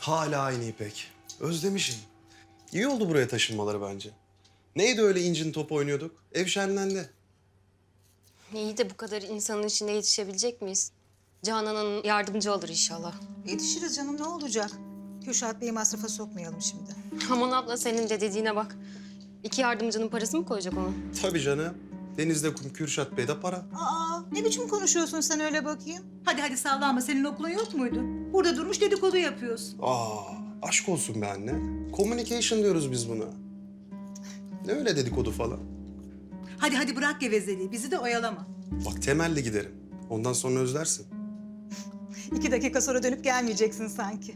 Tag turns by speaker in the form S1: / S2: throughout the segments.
S1: Hala aynı İpek. Özlemişim. İyi oldu buraya taşınmaları bence. Neydi öyle incin top oynuyorduk? Ev şenlendi.
S2: İyi de bu kadar insanın içinde yetişebilecek miyiz? Canan Hanım yardımcı olur inşallah.
S3: Yetişiriz canım, ne olacak? Kürşat Bey'i masrafa sokmayalım şimdi.
S2: Aman abla senin de dediğine bak. İki yardımcının parası mı koyacak ona?
S1: Tabii canım. Deniz'de kum, Kürşat Bey'de para.
S3: Aa, ne biçim konuşuyorsun sen öyle bakayım? Hadi hadi sallanma, senin okulun yok muydu? Burada durmuş dedikodu yapıyorsun.
S1: Aşk olsun be anne. Communication diyoruz biz buna. Ne öyle dedikodu falan.
S3: Hadi hadi bırak gevezeliği, bizi de oyalama.
S1: Bak temelli giderim. Ondan sonra özlersin.
S3: 2 dakika sonra dönüp gelmeyeceksin sanki.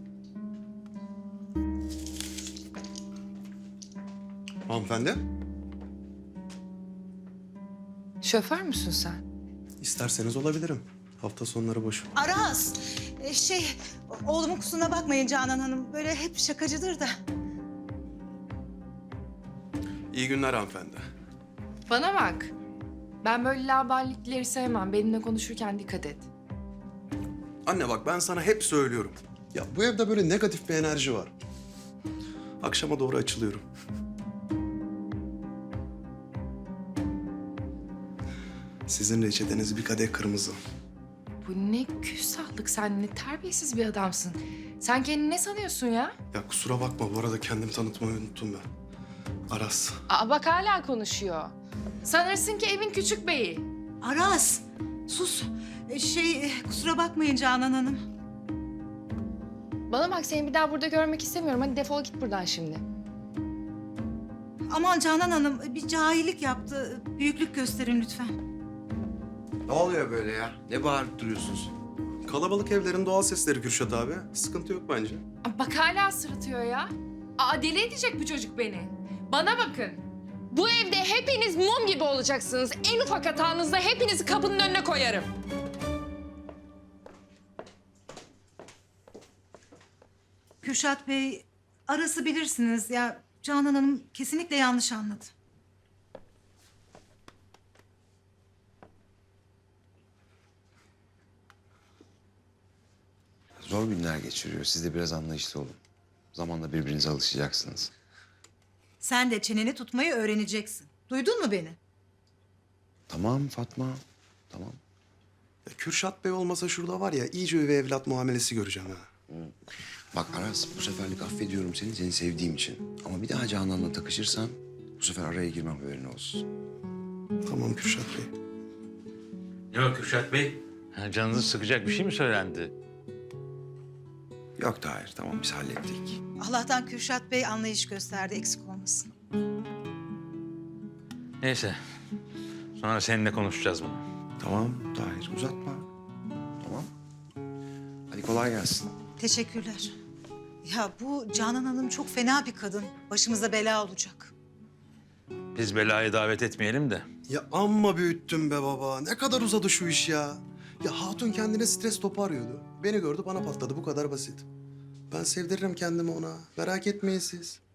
S1: Hanımefendi,
S4: Şoför müsün sen?
S1: isterseniz olabilirim. Hafta sonları boş.
S3: Aras, oğlumun kusuruna bakmayın Canan Hanım. Böyle hep şakacıdır da.
S1: İyi günler hanımefendi.
S4: Bana bak. Ben böyle laubalilikleri sevmem. Benimle konuşurken dikkat et.
S1: Anne bak ben sana hep söylüyorum. Ya bu evde böyle negatif bir enerji var. Akşama doğru açılıyorum. Sizin reçeteniz bir kadeh kırmızı.
S4: Bu ne küstahlık, sen ne terbiyesiz bir adamsın. Sen kendini ne sanıyorsun ya?
S1: Ya kusura bakma bu arada kendimi tanıtmayı unuttum ben. Aras.
S4: Aa bak hala konuşuyor. Sanırsın ki evin küçük beyi.
S3: Aras, sus. Kusura bakmayın Canan Hanım.
S4: Bana bak, seni bir daha burada görmek istemiyorum. Hadi defol git buradan şimdi.
S3: Aman Canan Hanım, bir cahillik yaptı. Büyüklük gösterin lütfen.
S5: Ne oluyor böyle ya? Ne bağırıp duruyorsunuz?
S1: Kalabalık evlerin doğal sesleri Kürşat abi. Sıkıntı yok bence.
S4: Aa, bak hala sırıtıyor ya. Aa deli edecek bu çocuk beni. Bana bakın. Bu evde hepiniz mum gibi olacaksınız. En ufak hatanızda hepinizi kapının önüne koyarım.
S3: Kürşat Bey, Aras'ı bilirsiniz ya. Canan Hanım kesinlikle yanlış anladı.
S5: Zor günler geçiriyor. Siz de biraz anlayışlı olun. Zamanla birbirinize alışacaksınız.
S3: Sen de çeneni tutmayı öğreneceksin. Duydun mu beni?
S5: Tamam Fatma, tamam.
S1: Ya Kürşat Bey olmasa şurada var ya iyice üvey evlat muamelesi göreceğim ha.
S5: Bak Aras, bu seferlik affediyorum seni sevdiğim için. Ama bir daha Canan'la takışırsan bu sefer araya girmem, haberin olsun.
S1: Tamam Kürşat Bey.
S6: Yok Kürşat Bey. Canınızı sıkacak bir şey mi söylendi?
S5: Yok Tahir, tamam biz hallettik.
S3: Allah'tan Kürşat Bey anlayış gösterdi, eksik olmasın.
S6: Neyse. Sonra seninle konuşacağız bunu.
S5: Tamam Tahir, uzatma. Tamam. Hadi kolay gelsin.
S3: Teşekkürler. Ya bu Canan Hanım çok fena bir kadın. Başımıza bela olacak.
S6: Biz belayı davet etmeyelim de.
S1: Ya amma büyüttün be baba. Ne kadar uzadı şu iş ya. Ya hatun kendine stres topu arıyordu. Beni gördü bana patladı bu kadar basit. Ben sevdiririm kendimi ona. Merak etmeyin siz.